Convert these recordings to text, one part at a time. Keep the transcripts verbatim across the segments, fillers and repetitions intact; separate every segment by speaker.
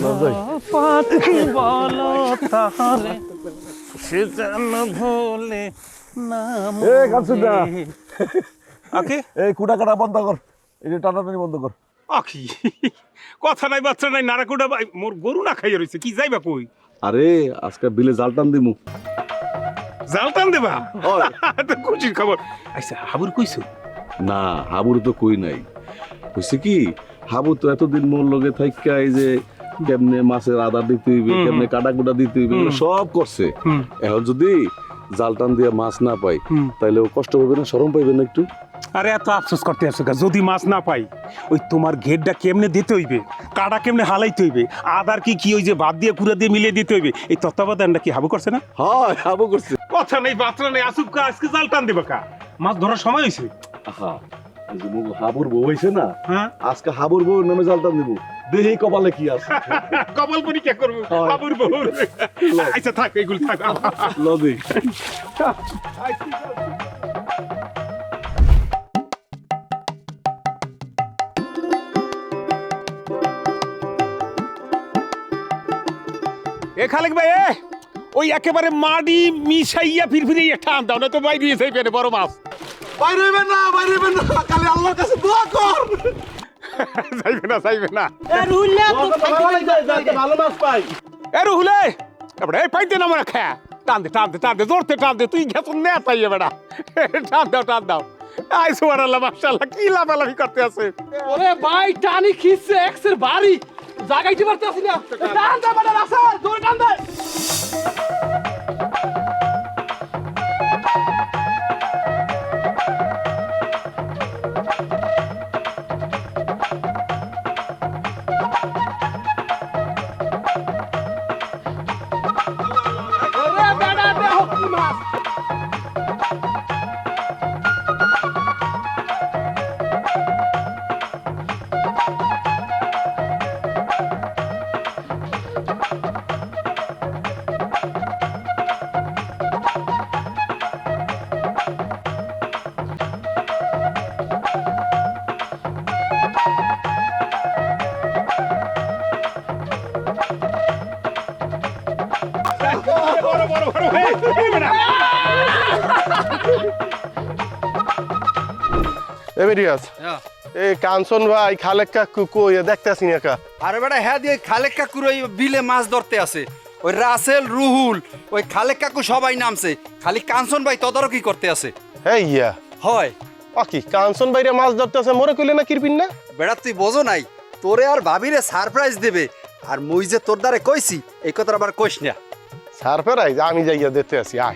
Speaker 1: পাখি বলো তাহলে সে যেন ভোলে না
Speaker 2: এ কামসুদা
Speaker 1: আকে
Speaker 2: এই কুটা কাটা বন্ধ কর, এই যে টানাটানি বন্ধ কর।
Speaker 1: আখি কথা নাই বাচ্চা নাই নারাকুডা ভাই মোর গরু না খাইয়া রইছে কি যাইবা কই
Speaker 2: আরে আজকে বিলে জাল টান দিমু।
Speaker 1: জাল টান দেবা তো খুশির খবর। আচ্ছা হাবুর কইছো?
Speaker 2: না হাবুর তো কই নাই। হইছে কি হাবু তো এতদিন মোর লগে থাইকা এই যে কেমনে মাছের আদার দিতে হইবে, কেমনে কাটা কুটা দিতে হইবে সব করছে। এখন যদি জাল টান দিয়ে মাছ না পাই তাইলে ও কষ্ট পাবে না, শরম পাইবে না একটু?
Speaker 1: আরে এত আফসোস করতে আসছো গা, যদি মাছ না পাই ওই তোমার ঘেরটা কেমনে দিতে হইবে, কাটা কেমনে হালাইতে হইবে, আদার কি কি ওই যে ভাত দিয়ে কুড়া দিয়ে মিলিয়ে দিতে হইবে, এই তত্ত্বাবধানটা কি হাবু করছে না?
Speaker 2: হ্যাঁ হাবু করছে।
Speaker 1: কথা নেই বাত্রা নেই, আসুক কা আজকে জাল টান দেবে কা, মাছ ধরার সময় হয়েছে।
Speaker 2: আহা এই যে মুগো হাবুর বউ হইছে না,
Speaker 1: হ্যাঁ
Speaker 2: আজকে হাবুর বউ নামে জাল টান দিব, দেহি কপালে কি আছে।
Speaker 1: কপাল পরীক্ষা করবো হাবুর বউ। আচ্ছা থাক এইগুলো থাক
Speaker 2: লদি
Speaker 1: এ খালেক ভাই এ ওই একেবারে মাটি মিশাইয়া ফিরফিরে টান দাও না তো বাইরে যাই পেরে বড় মাছ।
Speaker 2: বাইরে হইবেন না, বাইরে হইবেন না, খালি আল্লাহর কাছে দোয়া কর।
Speaker 1: যাইবে না যাইবে না
Speaker 2: ভালো মাছ পাই।
Speaker 1: এ রুহুলে এবারে এই পাইতে না মনে খা টান দে টান দে টান দে জোরতে টান দে, তুই গেছ না পাইয়ে বেড়া, টান দাও টান দাও। আই সুবহানাল্লাহ মাশাআল্লাহ কি লাফালাফি করতে আছে।
Speaker 3: ওরে ভাই টানি খিচ্ছে এক্সের বাড়ি জাগাইতে পারতেছি না, টান দে বেটা রাসা জোর টান দে। ওরে বেটা দেহ কি মাছ।
Speaker 1: বড় বড় বড় এই বেটা
Speaker 4: এমিরিয়াস এই কাঞ্চন ভাই খালেক কাকু কই দেখতেছি না কা।
Speaker 5: আরে বেটা হ্যাঁ দিয়ে খালেক কাকুর ওই বিলে মাছ ধরতে আছে, ওই রাসেল রুহুল ওই খালেক কাকু সবাই নামছে, খালি কাঞ্চন ভাই তদারকি করতে আছে।
Speaker 4: এই ইয়া
Speaker 5: হয়
Speaker 4: অকি কাঞ্চন ভাইরে মাছ ধরতেছে মোরে কইলে না কিরপিন না।
Speaker 5: বেটা তুই বোঝো নাই, তোরে আর ভাবিরে সারপ্রাইজ দেবে, আর মুই যে তোর দ্বারে কইছি এই কথা আবার কইস না।
Speaker 4: সারপ্রাইজ আমি যাইয়া দেখতে আসি আয়।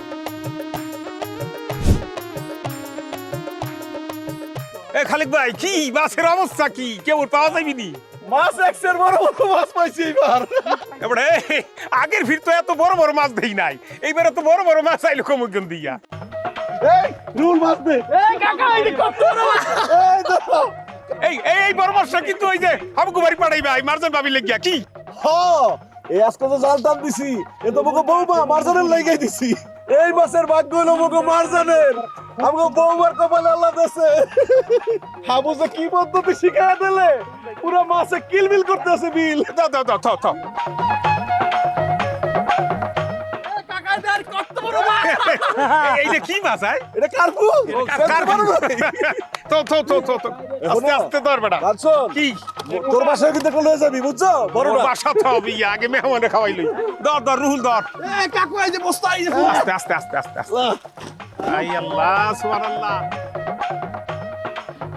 Speaker 1: এ খালেক ভাই কি মাছের অবস্থা কি, কেমন পাওয়া যাইবি নি?
Speaker 4: মাছ এক্সের বড় বড় মাছ পাইছি এবার।
Speaker 1: এবারে আগের ভিড় তো এত বড় বড় মাছ দেই নাই, এইবারে তো বড় বড় মাছ আইলো কমুকন দিয়া।
Speaker 4: এই রুল মাছ দে।
Speaker 3: এই কাকা এই কত বড় মাছ।
Speaker 4: এই দেখো
Speaker 1: এই এই এই বড় মাছটা কিন্তু ওই যে হাবুকু বাড়ি পাঠাইবে আই মারজন ভাবি লাগিয়া কি।
Speaker 2: হ এই আজকে তো জাল টান দিছি, এ তো মুগো বউমা মারজানের লাগাই দিছি। এই মাছের ভাগ্য হলো মুগো মারজানের, আমগো বউমার কপালে আল্লাহ দেছে। হাবু যে কি পদ্ধতি শিখায় দিলে, পুরো মাছে কিলবিল করতেছে বিল।
Speaker 1: দাও দাও দাও দাও দাও।
Speaker 3: এই কাকা দেখ কত বড় মাছ।
Speaker 1: এই যে কি মাছ আয়?
Speaker 2: এটা কারপু
Speaker 1: কার তো তো তো তো তো আস্তে আস্তে ধর বেটা।
Speaker 2: কাঞ্চন
Speaker 1: কি
Speaker 2: তোর বাসায় কিন্তু একটা লয়ে যাবি বুঝছো, বড়টা
Speaker 1: বাসা তো হবে ইয়া, আগে মেহমানে খাওয়াইলই। ধর ধর রুহুল ধর।
Speaker 3: এই কাকু এই যে বস্তা এই যে
Speaker 1: আস্তে আস্তে আস্তে আস্তে আস্তে। আই আল্লাহ সুবহানাল্লাহ।